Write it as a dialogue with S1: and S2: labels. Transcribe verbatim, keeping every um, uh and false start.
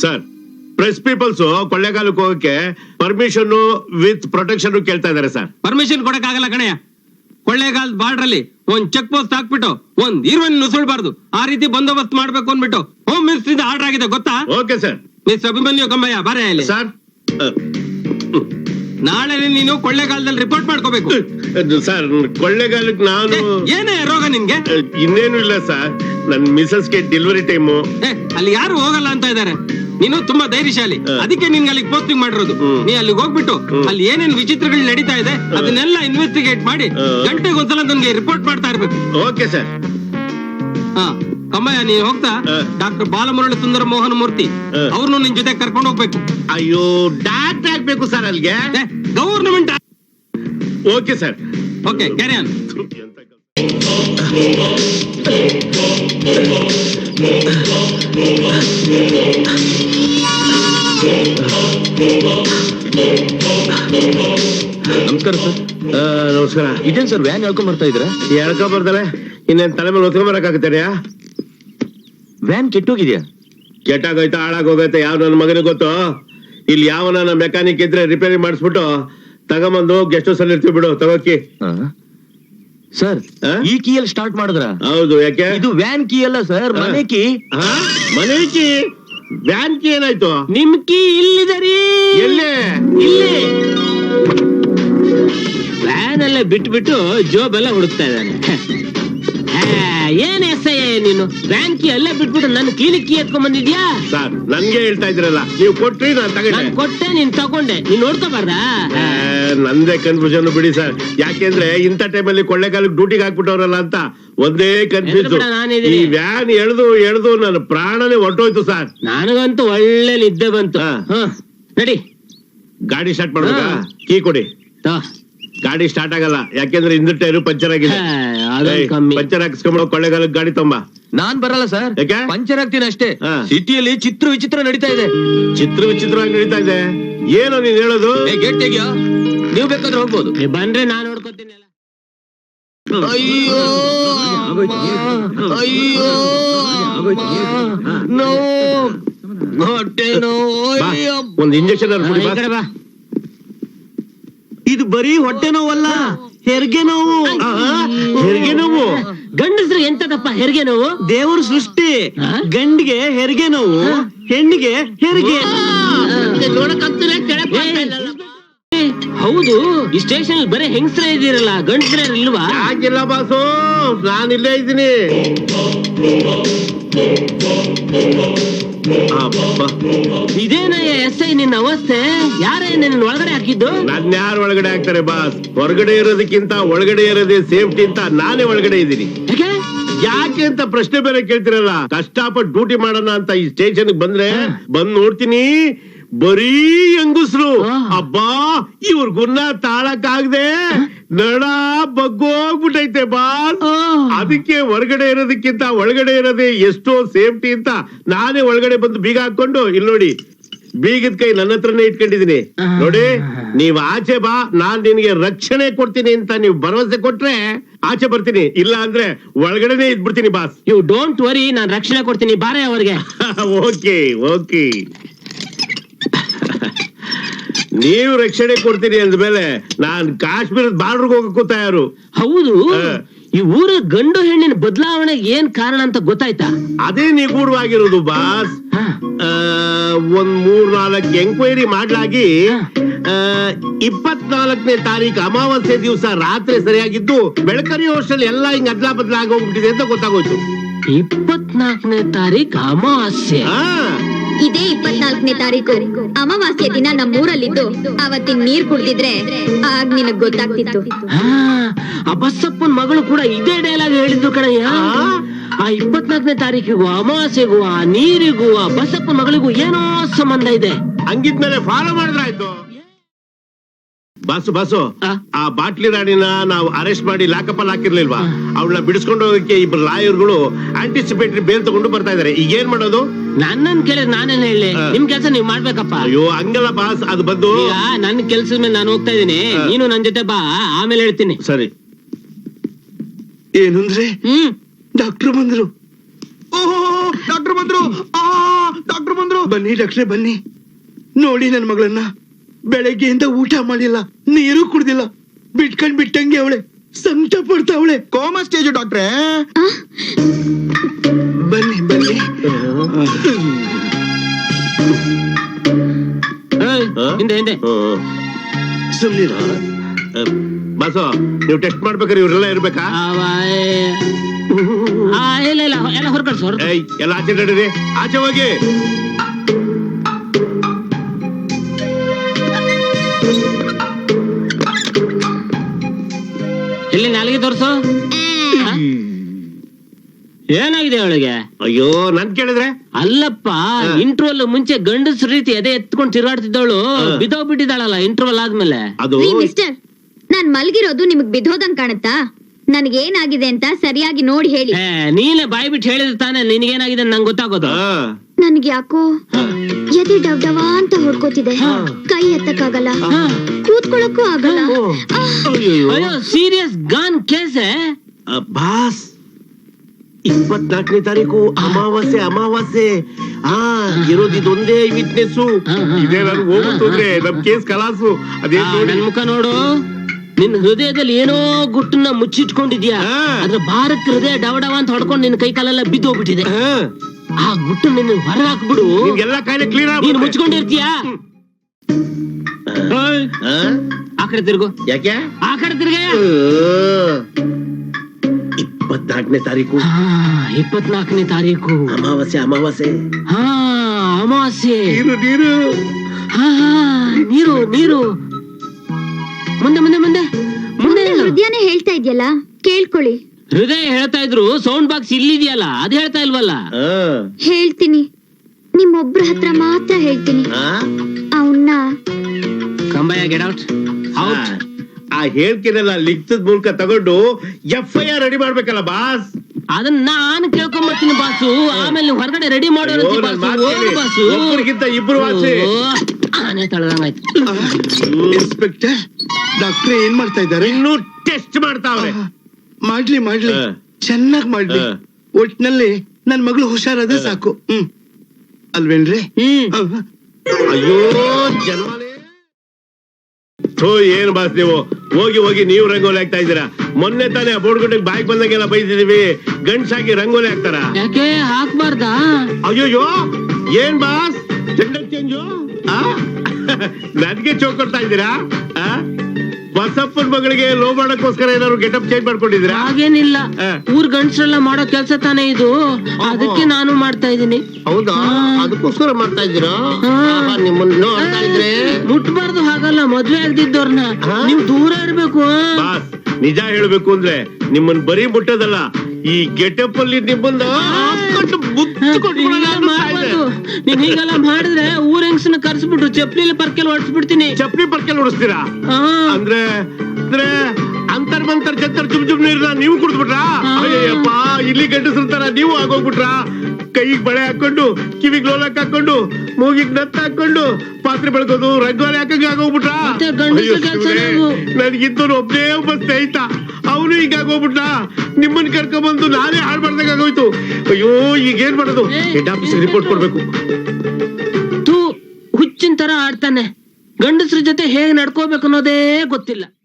S1: Sir press people's ಕೊಳ್ಳೇಗಾಲಕ್ಕೆ ಹೋಗಕ್ಕೆ permission with protection ಕೇಳ್ತಾ ಇದಾರೆ ಸರ್.
S2: ಪರ್ಮಿಷನ್ ಕೊಡಕ್ ಆಗಲ್ಲ ಕಣಯ್ಯ. ಕೊಳ್ಳೇಗಾಲದ ಬಾರ್ಡರ್ ಅಲ್ಲಿ ಒಂದ್ ಚೆಕ್ ಪೋಸ್ಟ್ ಹಾಕ್ಬಿಟ್ಟು ಒಂದ್ ಹೀರೋಯಿನ್ ನುಸುಳ್ಬಾರ್ದು, ಆ ರೀತಿ ಬಂದೋಬಸ್ತ್ ಮಾಡ್ಬೇಕು ಅಂದ್ಬಿಟ್ಟು ಹೋಮ್ ಮಿನಿಸ್ಟರ್ ಇಂದ ಆರ್ಡರ್ ಆಗಿದೆ ಗೊತ್ತಾ?
S1: Okay sir.
S2: Miss Abhimanyu Kammayya ಬಾರೆ ಇಲ್ಲಿ
S1: ಸರ್.
S2: ನಾಳೆ ನೀನು ಕೊಳ್ಳೇಗಾಲದಲ್ಲಿ ರಿಪೋರ್ಟ್ ಮಾಡ್ಕೋಬೇಕು
S1: ಸರ್. ಕೊಳ್ಳೇಗಾಲಕ್ಕೆ ನಾನು
S2: ಏನೇ ರೋಗ ನಿನ್ಗೆ?
S1: ಇನ್ನೇನು ಇಲ್ಲ ಸರ್, ನನ್ ಮಿಸಸ್ಗೆ ಡೆಲಿವರಿ ಟೈಮು.
S2: ಅಲ್ಲಿ ಯಾರು ಹೋಗಲ್ಲ ಅಂತ ಇದಾರೆ, ನೀನು ತುಂಬಾ ಧೈರ್ಯಶಾಲಿ, ಅದಕ್ಕೆ ನಿನ್ಗೆ ಅಲ್ಲಿಗೆ ಪೋಸ್ಟಿಂಗ್ ಮಾಡಿರೋದು. ನೀ ಅಲ್ಲಿಗೆ ಹೋಗ್ಬಿಟ್ಟು ಅಲ್ಲಿ ಏನೇನ್ ವಿಚಿತ್ರಗಳು ನಡೀತಾ ಇದೆ ಅದನ್ನೆಲ್ಲ ಇನ್ವೆಸ್ಟಿಗೇಟ್ ಮಾಡಿ ಗಂಟೆಗೆ ಒಂದ್ಸಲ ನನ್ಗೆ ರಿಪೋರ್ಟ್ ಮಾಡ್ತಾ ಇರ್ಬೇಕು.
S1: Okay sir.
S2: ಹಾ ಕಮ್ಮಯ್ಯ, ನೀನ್ ಹೋಗ್ತಾ ಡಾಕ್ಟರ್ ಬಾಲಮುರಳಿ ಸುಂದರ ಮೋಹನ್ ಮೂರ್ತಿ ಅವ್ರನ್ನು ನಿನ್ ಜೊತೆ ಕರ್ಕೊಂಡು ಹೋಗ್ಬೇಕು.
S1: ಅಯ್ಯೋ ಡಾಕ್ಟರ್ ಆಗ್ಬೇಕು ಸರ್ ಅಲ್ಲಿಗೆ?
S2: Government.
S1: Okay sir.
S2: Okay carry on.
S3: ನಮಸ್ಕಾರ ಸರ್.
S1: ನಮಸ್ಕಾರ.
S3: ಇದೇನ್ ಸರ್ ವ್ಯಾನ್ ಹೇಳ್ಕೊಂಡ್ ಬರ್ತಾ ಇದ್ರ?
S1: ಹೇಳ್ಕೊಂಡ್ ಬರ್ತಾರೆ, ಇನ್ನೇನ್ ತಲೆ ಮೇಲೆ ಹೊತ್ಕೊಂಡ್ ಬರಕಾಗತ್ತೇನೆಯಾ?
S3: ವ್ಯಾನ್ ಕೆಟ್ಟೋಗಿದ್ಯಾ?
S1: ಕೆಟ್ಟಾಗೋಯ್ತಾ ಹಾಳಾಗೋಗೈತೆ ಯಾವ ನನ್ನ ಮಗನಿಗೆ ಗೊತ್ತು. ಇಲ್ಲಿ ಯಾವ ನನ್ನ ಮೆಕ್ಯಾನಿಕ್ ಇದ್ರೆ ರಿಪೇರಿ ಮಾಡಿಸ್ಬಿಟ್ಟು ತಗೊಂಬಂದು ಗೆಸ್ಟ್ ಹೌಸ್ ಅಲ್ಲಿ ಇರ್ತೀವಿ ಬಿಡು. ತಗೋಕಿ
S3: ಸರ್. ಈ ಕೀಯಲ್ಲಿ ಸ್ಟಾರ್ಟ್ ಮಾಡಿದ್ರ?
S1: ಹೌದು. ಯಾಕೆ?
S3: ಇದು ವ್ಯಾನ್ ಕೀ ಅಲ್ಲ ಸರ್, ಮನೆ ಕೀ.
S1: ಮನೆ ಕೀ? ವ್ಯಾನ್ ಕೀ ಏನಾಯ್ತು?
S2: ನಿಮ್ ಕೀ ಇಲ್ಲಿದೆ ರೀ.
S1: ಎಲ್ಲೇ?
S2: ಇಲ್ಲಿ ವ್ಯಾನ್ ಎಲ್ಲ ಬಿಟ್ಬಿಟ್ಟು ಜೋಬ್ ಎಲ್ಲ ಹುಡುಕ್ತಾ ಇದ್ದಾನೆ. ಏನ್ ಎಸ್ ಐ ನೀನು ವ್ಯಾನ್ ಕೀ ಎಲ್ಲ ಬಿಟ್ಬಿಟ್ಟು ನನ್ನ ಕ್ಲಿನಿಕ್ ಕೀ ಎತ್ಕೊಂಡ್ ಬಂದಿದ್ಯಾ?
S1: ಸರ್ ನನ್ಗೆ ಹೇಳ್ತಾ ಇದ್ರಲ್ಲ, ನೀವು ಕೊಟ್ರಿ ನಾನು ತಗೊಂಡೆ.
S2: ಕೊಟ್ಟೆ, ನೀನ್ ತಗೊಂಡೆ, ನೀನ್ ನೋಡ್ಕೋಬಾರ್ದ?
S1: ನಂದೇ ಕನ್ಫ್ಯೂಷನ್ ಬಿಡಿ ಸರ್. ಯಾಕೆಂದ್ರೆ ಇಂಥ ಟೈಮಲ್ಲಿ ಕೊಳ್ಳೇಗಾಲಕ್ಕೆ ಡ್ಯೂಟಿಗೆ ಹಾಕ್ಬಿಟ್ಟವ್ರಲ್ಲ ಅಂತ ಒಂದೇ ಕನ್ಫ್ಯೂಸ್. ಈ ವ್ಯಾನ್ ಎಳ್ದು ಎಳ್ದು ನನ್ನ ಪ್ರಾಣನೇ ಹೊರಟೋಯ್ತು ಸರ್.
S2: ನನಗಂತೂ ಒಳ್ಳೆ ನಿದ್ದೆ ಬಂತು. ನಡಿ
S1: ಗಾಡಿ ಸ್ಟಾರ್ಟ್ ಮಾಡ್ಬೇಕಾ? ಕೀ ಕೊಡಿ. ಗಾಡಿ ಸ್ಟಾರ್ಟ್ ಆಗಲ್ಲ, ಯಾಕೆಂದ್ರೆ ಹಿಂದಿನ ಟೈರು ಪಂಚರ್ ಆಗಿದೆ. ಪಂಚರ್ ಹಾಕಿಸ್ಕೊಂಡ್ಬಿಡೋ ಕೊಳ್ಳೇಗಾಲಕ್ಕೆ ಗಾಡಿ ತೊಂಬ.
S3: ನಾನ್ ಬರಲ್ಲ ಸರ್,
S1: ಯಾಕೆ?
S3: ಪಂಚರ್ ಆಗ್ತೀನಿ ಅಷ್ಟೇ. ಸಿಟಿಯಲ್ಲಿ ಚಿತ್ರ ವಿಚಿತ್ರ ನಡೀತಾ ಇದೆ.
S1: ಚಿತ್ರ ವಿಚಿತ್ರವಾಗಿ ನಡೀತಾ ಇದೆ? ಏನೋ ನೀನ್ ಹೇಳೋದು?
S3: ಗೇಟ್ ತೆಗಿಯೋ, ನೀವ್ ಬೇಕಾದ್ರೆ ಹೋಗ್ಬೋದು.
S2: ಬಂದ್ರೆ ನಾನ್ ನೋಡ್ಕೋತೀನಿ.
S3: ಅಯ್ಯೋ ಅಯ್ಯೋ ನೋವು, ಹೊಟ್ಟೆ ನೋವು.
S1: ಒಂದ್ ಇಂಜೆಕ್ಷನ್
S2: ಬಾ.
S4: ಇದು ಬರೀ ಹೊಟ್ಟೆ ನೋವಲ್ಲ, ಹೆರಿಗೆ ನೋವು.
S1: ಹೆರಿಗೆ ನೋವು?
S2: ಗಂಡಸ್ರು ಎಂತದಪ್ಪ ಹೆರಿಗೆ ನೋವು?
S4: ದೇವ್ರ ಸೃಷ್ಟಿ. ಗಂಡಿಗೆ ಹೆರಿಗೆ ನೋವು, ಹೆಣ್ಣಿಗೆ ಹೆರಿಗೆ.
S2: ಹೌದು, ಈ ಸ್ಟೇಷನ್ ಬರೀ ಹೆಂಗಸ್ರೇ ಇದೀರಲ್ಲ, ಗಂಡಸ್ರೇ ಇಲ್ವಾ?
S1: ಯಾಕಿಲ್ಲ ಬಾಸು, ನಾನು ಇಲ್ಲೇ ಇದ್ದೀನಿ.
S2: ಇದೇನಯ್ಯ ಎಸ್ ಐ ನಿನ್ನ ಅವಸ್ಥೆ? ಯಾರೇ ನಿನ್ನ ಒಳಗಡೆ ಹಾಕಿದ್ದು?
S1: ನನ್ನ ಯಾರು ಒಳಗಡೆ ಹಾಕ್ತಾರೆ ಬಾಸ್? ಹೊರಗಡೆ ಇರೋದಕ್ಕಿಂತ ಒಳಗಡೆ ಇರೋದೇ ಸೇಫ್ಟಿ ಅಂತ ನಾನೇ ಒಳಗಡೆ ಇದ್ದೀನಿ. ಯಾಕೆ ಅಂತ ಪ್ರಶ್ನೆ ಬೇರೆ ಕೇಳ್ತಿರಲ್ಲ. ಕಷ್ಟಪಟ್ಟು ಡ್ಯೂಟಿ ಮಾಡೋಣ ಅಂತ ಈ ಸ್ಟೇಷನ್ ಬಂದ್ರೆ ಬಂದ್ ನೋಡ್ತೀನಿ, ಬರೀ ಹೆಂಗುಸ್ರು. ಅಬ್ಬಾ, ಇವ್ರ ಗುನ್ನ ತಾಳಕ್ ಆಗದೆ ನಡ ಬಗ್ಗೋಗ್ಬಿಟ್ಟೈತೆ ಬಾಸ್. ಅದಕ್ಕೆ ಹೊರಗಡೆ ಇರೋದಕ್ಕಿಂತ ಒಳಗಡೆ ಇರೋದೇ ಎಷ್ಟೋ ಸೇಫ್ಟಿ ಅಂತ ನಾನೇ ಒಳಗಡೆ ಬಂದು ಬೀಗ ಹಾಕೊಂಡು, ಇಲ್ಲಿ ನೋಡಿ ಬೀಗದ ಕೈ ನನ್ನ ಹತ್ರನೇ ಇಟ್ಕೊಂಡಿದೀನಿ. ನೋಡಿ, ನೀವ್ ಆಚೆ ಬಾ, ನಾನ್ ನಿನ್ಗೆ ರಕ್ಷಣೆ ಕೊಡ್ತೀನಿ ಅಂತ ನೀವು ಭರವಸೆ ಕೊಟ್ರೆ ಆಚೆ ಬರ್ತೀನಿ, ಇಲ್ಲ ಅಂದ್ರೆ ಒಳಗಡೆನೆ ಇದ್ಬಿಡ್ತೀನಿ ಬಾಸ್.
S2: ಯು ಡೋಂಟ್ ವರಿ, ನಾನ್ ರಕ್ಷಣೆ ಕೊಡ್ತೀನಿ, ಬಾರೆ ಅವ್ರಿಗೆ.
S1: Okay okay. ನೀವು ರಕ್ಷಣೆ ಕೊಡ್ತೀನಿ ಅಂದ್ಮೇಲೆ ನಾನ್ ಕಾಶ್ಮೀರದ ಬಾರ್ಡರ್ಗೆ ಹೋಗಕ್ಕೂ ತಯಾರು.
S2: ಹೌದು, ಈ ಊರ ಗಂಡು ಹೆಣ್ಣಿನ ಬದಲಾವಣೆ ಏನ್ ಕಾರಣ ಅಂತ ಗೊತ್ತಾಯ್ತಾ?
S1: ಅದೇ ನಿಗೂಢವಾಗಿರೋದು ಬಾಸ್. ಒಂದ್ ಮೂರ್ ನಾಲ್ಕು ಎಂಕ್ವೈರಿ ಮಾಡ್ಲಾಗಿ ಇಪ್ಪತ್ನಾಲ್ಕನೇ ತಾರೀಕು ಅಮಾವಾಸ್ಯೆ ದಿವಸ ರಾತ್ರಿ ಸರಿಯಾಗಿದ್ದು ಬೆಳಕರಿಯೋಷ್ಟರಲ್ಲಿ ಎಲ್ಲ ಹಿಂಗ್ ಅದ್ಲಾ ಬದ್ಲಾ ಆಗೋಗ್ಬಿಟ್ಟಿದೆ ಅಂತ ಗೊತ್ತಾಗೋಯ್ತು.
S2: ಇಪ್ಪತ್ನಾಲ್ಕನೇ ತಾರೀಕು ಅಮಾವಾಸ್ಯೆ?
S5: ಇದೇ ಇಪ್ಪತ್ನಾಲ್ಕನೇ ತಾರೀಕು ಅಮಾವಾಸ್ಯೆ ದಿನ ನಮ್ಮೂರಲ್ಲಿದ್ದು ಅವತ್ತಿನ ನೀರ್ ಕುಡ್ದಿದ್ರೆ ಆಗ ನಿನಗ್ ಗೊತ್ತಾಗ್ತಿತ್ತು.
S2: ಆ ಬಸಪ್ಪನ್ ಮಗಳು ಕೂಡ ಇದೇ ಡೈಲಾಗ್ ಹೇಳಿದ್ರು ಕಣಯ್ಯ. ಆ ಇಪ್ಪತ್ನಾಲ್ಕನೇ ತಾರೀಕಿಗೂ ಅಮಾವಾಸ್ಯೆಗೂ ಆ ನೀರಿಗೂ ಆ ಬಸಪ್ಪನ್ ಮಗಳಿಗೂ ಏನೋ ಸಂಬಂಧ ಇದೆ.
S1: ಹಂಗಿದ್ಮೇಲೆ ಫಾಲೋ ಮಾಡಿದ್ರಾಯ್ತು. ಬಾಸು ಬಾಸು, ಆ ಬಾಟ್ಲಿ ರಾಣಿನ ನಾವು ಅರೆಸ್ಟ್ ಮಾಡಿ ಲಾಕಪ್ ಅಲ್ಲಿ ಹಾಕಿರ್ಲಿಲ್ವಾ? ಅವಳನ್ನ ಬಿಡಿಸ್ಕೊಂಡು ಹೋಗಕ್ಕೆ ಇಬ್ರು ಲಾಯರ್ಗಳು ಆಂಟಿಸಿಪೇಟರಿ ಬೇಲ್ ತಗೊಂಡು ಬರ್ತಾ ಇದಾರೆ. ಈಗ ಏನ್ ಮಾಡೋದು?
S2: ನನ್ನನ್ ಕೇಳಿದ್ರೆ ನಾನೇನ್ ಹೇಳಿ, ನಿಮ್ ಕೆಲ್ಸ ನೀವ್ ಮಾಡ್ಬೇಕಪ್ಪ.
S1: ಅಯ್ಯೋ ಹಂಗಲ್ಲ ಬಾಸ್, ಅದು ಬಂದು
S2: ನನ್ ಕೆಲ್ಸದ ಮೇಲೆ ನಾನು ಹೋಗ್ತಾ ಇದೀನಿ, ನೀನು ನನ್ ಜೊತೆ ಬಾ, ಆಮೇಲೆ ಹೇಳ್ತೀನಿ.
S1: ಸರಿ.
S4: ಏನಂದ್ರೆ
S2: ಹ್ಮ್
S4: ಡಾಕ್ಟರ್ ಬಂದ್ರು. ಓಹೋ, ಡಾಕ್ಟರ್ ಬಂದ್ರು. ಆ ಡಾಕ್ಟರ್ ಬಂದ್ರು.
S6: ಬನ್ನಿ ಡಾಕ್ಟ್ರೆ ಬನ್ನಿ. ನೋಡಿ ನನ್ ಮಗಳನ್ನ ಬೆಳಗ್ಗೆಯಿಂದ ಊಟ ಮಾಡಿಲ್ಲ, ನೀರು ಕುಡ್ದಿಲ್ಲ, ಬಿಟ್ಕೊಂಡ್ ಬಿಟ್ಟಂಗೆ ಅವಳೆ ಸಂಕಟ ಪಡ್ತಾವಳೆ.
S3: ಕೋಮಾ ಸ್ಟೇಜ್ ಡಾಕ್ಟ್ರೆ.
S6: ಬನ್ನಿ ಬನ್ನಿ.
S2: ಏಯ್, ಹಿಂದೆ ಹಿಂದೆ
S6: ಸುಮ್ನಿರ.
S1: ಬಾಸು ನೀವು ಟೆಸ್ಟ್ ಮಾಡ್ಬೇಕಾದ್ರೆ ಇವ್ರೆಲ್ಲ ಇರ್ಬೇಕಾ?
S2: ಅವ, ಆ, ಇಲ್ಲ ಇಲ್ಲ ಎಲ್ಲ ಹೊರಗಡ್ಸು ಹೊರ
S1: ಏಯ್ ಎಲ್ಲ ಆಚೆ ನಡೀರಿ, ಆಚೆ ಹೋಗಿ.
S2: ಇಲ್ಲಿ ನಾಲಿಗೆ ತೋರ್ಸು. ಏನಾಗಿದೆ ಅವಳಿಗೆ?
S1: ಅಯ್ಯೋ ನನ್ ಕೇಳಿದ್ರೆ
S2: ಅಲ್ಲಪ್ಪ, ಇಂಟರ್ವಲ್ ಮುಂಚೆ ಗಂಡಸ್ ರೀತಿ ಎದೆ ಎತ್ಕೊಂಡು ತಿರುಗಾಡ್ತಿದ್ದವಳು ಬಿದ್ದೋಗ್ಬಿಟ್ಟಿದ್ದಾಳಲ್ಲ ಇಂಟರ್ವಲ್ ಆದ್ಮೇಲೆ.
S1: ಅದು
S5: ರೀ ಮಿಸ್ಟರ್, ನಾನ್ ಮಲ್ಗಿರೋದು ನಿಮಗ್ ಬಿದ್ದೋದಂಗ್ ಕಾಣುತ್ತಾ? ನನ್ಗೇನಾಗಿದೆ ಅಂತ ಸರಿಯಾಗಿ ನೋಡಿ ಹೇಳಿ.
S2: ಏ, ನೀನೇ ಬಾಯ್ ಬಿಟ್ಟು ಹೇಳಿದ್ರೆ ತಾನೇ ನಿನಗೇನಾಗಿದೆ ನಂಗೆ ಗೊತ್ತಾಗೋದು.
S1: ಆ,
S5: ನನ್ಗೆ ಯಾಕೋ ಎದೆ ಡವ್ ಅಂತ ಹೊಡ್ಕೋತಿದೆ. ಕೈ ಎತ್ತಕ್ಕಾಗಲ್ಲ, ಕೂತ್ಕೊಳ್ಳಕ್ಕೂ ಆಗಲ್ಲ.
S2: ಅಯ್ಯೋ, ಸೀರಿಯಸ್ ಗಾನ್ ಕೇಸೆ.
S1: ಆ, ಬಾಸ್ ಇಪ್ಪತ್ನಾಲ್ಕನೇ ತಾರೀಕು ಅಮಾವಾಸ್ಯೆ ಅಮಾವಾಸ್ಯೆ ಆ ಇರೋದು ಇದೊಂದೇ ವಿಟ್ನೆಸ್. ಇದೇ ನಾನು ಹೋಗ್ಬಿಟ್ಟು ಅಂದ್ರೆ ನಮ್ ಕೇಸ್ ಕಲಾಸು. ಅದೇ
S2: ಆ, ನನ್ ಮುಖ ನೋಡು. ನಿನ್ ಹೃದಯದಲ್ಲಿ ಏನೋ ಗುಟ್ಟನ್ನ ಮುಚ್ಚಿಟ್ಕೊಂಡಿದ್ಯಾ.
S1: ಹಾ.
S2: ಅದ್ರ ಭಾರಕ್ ಹೃದಯ ಡವ ಡವ ಅಂತ ಹೊಡ್ಕೊಂಡು ನಿನ್ ಕೈ ಕಾಲೆಲ್ಲ ಬಿದ್ದೋಗ್ಬಿಟ್ಟಿದೆ. ಆ ಗುಟ್ಟು ನಿನ್ನ ಹೊರ ಹಾಕ್ಬಿಡು.
S1: ನಿಮ್ಗೆಲ್ಲ ಕಾಯಿಲೆ ಕ್ಲಿಯರ್
S2: ನೀನ್ ಮುಚ್ಕೊಂಡಿರ್ತೀಯಾ? ಆ ಕಡೆ ತಿರುಗು.
S1: ಯಾಕೆ?
S2: ಆ ಕಡೆ ತಿರ್ಗ.
S1: ಇಪ್ಪತ್ನಾಲ್ಕನೇ ತಾರೀಕು
S2: ಇಪ್ಪತ್ನಾಲ್ಕನೇ ತಾರೀಕು
S1: ಅಮಾವಾಸ್ಯೆ ಅಮಾವಾಸ್ಯೆ.
S2: ಹಾ, ಅಮಾವಾಸ್ಯೆ.
S1: ನೀರು ನೀರು
S2: ಹಾ, ಹಾ, ನೀರು ನೀರು. ಮುಂದೆ ಮುಂದೆ ಮುಂದೆ ಮುಂದೆ ಹೇಳು.
S5: ಹೃದಯನೇ ಹೇಳ್ತಾ ಇದ್ಯಲ್ಲ, ಕೇಳ್ಕೊಳ್ಳಿ.
S2: ಹೃದಯ ಹೇಳ್ತಾ ಇದ್ರು, ಸೌಂಡ್ ಬಾಕ್ಸ್ ಇಲ್ಲಿದೆಯಲ್ಲ ಅದು ಹೇಳ್ತಾ ಇಲ್ವಲ್ಲ.
S1: ಆ,
S5: ಹೇಳ್ತೀನಿ, ನಿಮ್ಮೊಬ್ರ ಹತ್ರ ಮಾತ್ರ ಹೇಳ್ತೀನಿ.
S1: ಆ,
S5: ಅವನ್ನ
S2: ಕಂಬಯ್ಯ ಗೆಟ್ ಔಟ್ ಔಟ್.
S1: ಆ ಹೇಳ್ಕೆನೆಲ್ಲ ಲಿಖಿತದ ಮೂಲಕ ತಗೊಂಡು ಎಫ್ ಐ ಆರ್ ರೆಡಿ ಮಾಡ್ಬೇಕಲ್ಲ ಬಾಸ್.
S2: ಅದನ್ನ ನಾನು ಕೇಳ್ಕೊಂಬರ್ತೀನಿ ಬಾಸು. ಆಮೇಲೆ ನೀವು ಹೊರಗಡೆ ರೆಡಿ ಮಾಡೋಣ
S1: ಅಯ್ಯೋ, ನನ್ ಮಾತ್ ಕೇಳಿ.
S2: ಬಾಸು.
S1: ಒಬ್ರಿಗಿಂತ ಇಬ್ರು ವಾಸಿ.
S2: ಓ, ಆನೆ ತಳ್ದಂಗಾಯ್ತು.
S6: ಇನ್ಸ್ಪೆಕ್ಟರ್, ಡಾಕ್ಟ್ರೆ ಏನ್ ಮಾಡ್ತಾ ಇದ್ದಾರೆ?
S1: ಇನ್ನೂ ಟೆಸ್ಟ್ ಮಾಡ್ತಾವ್ರೆ.
S6: ಮಾಡ್ಲಿ ಮಾಡ್ಲಿ,
S1: ಹಾ.
S6: ಚೆನ್ನಾಗ್ ಮಾಡ್ಲಿ.
S1: ಹಾ.
S6: ಒಟ್ನಲ್ಲಿ ನನ್ ಮಗಳು ಹುಷಾರಾದ್ರೆ ಸಾಕು. ಹ್ಮ್ ಅಲ್ವೇನ್ರಿ?
S2: ಹ್ಮ್.
S1: ಅಯ್ಯೋ ಜನ್ಮನೇ. ಥೋ, ಏನ್ ಬಾಸ್ ನೀವು ಹೋಗಿ ಹೋಗಿ ನೀವು ರಂಗೋಲಿ ಹಾಕ್ತಾ ಇದ್ದೀರಾ. ಮೊನ್ನೆ ತಾನೇ ಆ ಬೋಡ್ಗುಡ್ಡಕ್ಕೆ ಬಾಯಿಗೆ ಬಂದಂಗೆಲ್ಲ ಬೈದಿದೀವಿ. ಗಂಡ್ಸಾಗಿ ರಂಗೋಲಿ ಹಾಕ್ತಾರ?
S2: ಯಾಕೆ ಹಾಕ್ಬಾರ್ದಾ?
S1: ಅಯ್ಯೋಯ್ಯೋ, ಏನ್ ಬಾಸ್ ಜೆಂಡರ್ ಚೇಂಜು? ನನ್ಗೆ ಚೌಕ್ ಕೊಡ್ತಾ ಇದ್ದೀರಾ? ಆ? ಬಸಪ್ಪನ ಮಗಳಿಗೆ ಲೋ ಮಾಡೋಕ್ಕೋಸ್ಕರ ಏನಾದ್ರು ಗೆಟಪ್ ಚೇಂಜ್ ಮಾಡ್ಕೊಂಡಿದ್ದೀರಾ?
S2: ಹಾಗೇನಿಲ್ಲ,
S1: ಹಾ.
S2: ಊರ್ ಗಂಡ್ಸ್ರೆಲ್ಲ ಮಾಡೋ ಕೆಲ್ಸ ತಾನೇ ಇದು. ಅದಕ್ಕೆ ನಾನು ಮಾಡ್ತಾ ಇದೀನಿ.
S1: ಹೌದಾ? ಅದಕ್ಕೋಸ್ಕರ ಮಾಡ್ತಾ ಇದ್ದೀರಾ?
S2: ಹಾ.
S1: ನಿಮ್ಮನ್ನ ನೋಡ್ತಾ ಇದ್ರೆ
S2: ಮುಟ್ಬಾರ್ದು, ಹಾಗಲ್ಲ. ಮದ್ವೆ ಆಗ್ದಿದ್ದವ್ರನ್ನ ನೀವು ದೂರ ಇರ್ಬೇಕು.
S1: ಬಾಸ್, ನಿಜ ಹೇಳ್ಬೇಕು ಅಂದ್ರೆ ನಿಮ್ಮನ್ ಬರೀ ಮುಟ್ಟೋದಲ್ಲ, ಈ ಗೆಟಪ್ ಅಲ್ಲಿ ನಿಮ್ಮನ್ನ ಹಾಕ್ಕೊಂಡು ಮುಚ್ಚಿಕೊಂಡು
S2: ಹೀಗೆಲ್ಲ ಮಾಡ್ಬಾರ್ದು. ನೀನ್ ಹೀಗೆಲ್ಲ ಮಾಡಿದ್ರೆ ಊರ್ ಹೆಂಗ್ಸನ್ನ ಕರ್ಸ್ಬಿಟ್ಟು ಚಪ್ಲಿಲಿ ಪರ್ಕೆಲ್ ಹೊಡ್ಸ್ಬಿಡ್ತೀನಿ.
S1: ಚಪ್ಪಲಿ ಪರ್ಕೆಲ್ ಹೊಡಿಸ್ತೀರಾ?
S2: ಹಾ.
S1: ಅಂದ್ರೆ ಅಂದ್ರೆ ಅಂತರ್ ಮಂತರ್ ಜಂತರ್ ಜುಮ್ ಜುಮ್ ನೀರ್ನ ನೀವು ಕುಡಿದ್ಬಿಟ್ರಾ?
S2: ಹಾ.
S1: ಅಯ್ಯಪ್ಪ, ಇಲ್ಲಿ ಗಂಡಸ್ರಂತಾರ ನೀವು ಆಗೋಗ್ಬಿಟ್ರಾ? ಕೈಗೆ ಬಳೆ ಹಾಕೊಂಡು, ಕಿವಿಗ್ ಲೋಲಕ್ ಹಾಕೊಂಡು, ಮೂಗಿಗ್ ನತ್ತ ಹಾಕೊಂಡು, ಪಾತ್ರೆ ಬೆಳಗೋದು, ರಂಗೋಲಿ ಹಾಕಂಗ ಆಗೋಗ್ಬಿಟ್ರಾ?
S2: ಮತ್ತೆ ಗಂಡಸ್ರ ಕೆಲ್ಸ ನಾವು.
S1: ನನ್ಗಿದ್ದವ್ರು ಒಬ್ಬನೇ ಒಬ್ಬ ಸ್ನೇಹಿತ, ಅವನು ಹಿಂಗಾಗೋಗ್ಬಿಟ್ಟ. ನಿಮ್ಮನ್ ಕರ್ಕೊಂಡ್ಬಂದು ನಾನೇ ಹಾಳು ಮಾಡ್ದಂಗ ಆಗೋಯ್ತು. ಅಯ್ಯೋ, ಈಗ ಏನ್ ಮಾಡೋದು? ಹೆಡ್ ಆಫೀಸ್ ರಿಪೋರ್ಟ್ ಕೊಡ್ಬೇಕು.
S2: ತೂ, ಹುಚ್ಚಿನ ತರ ಆಡ್ತಾನೆ. ಗಂಡಸ್ರ ಜೊತೆ ಹೇಗ್ ನಡ್ಕೋಬೇಕು ಅನ್ನೋದೇ ಗೊತ್ತಿಲ್ಲ.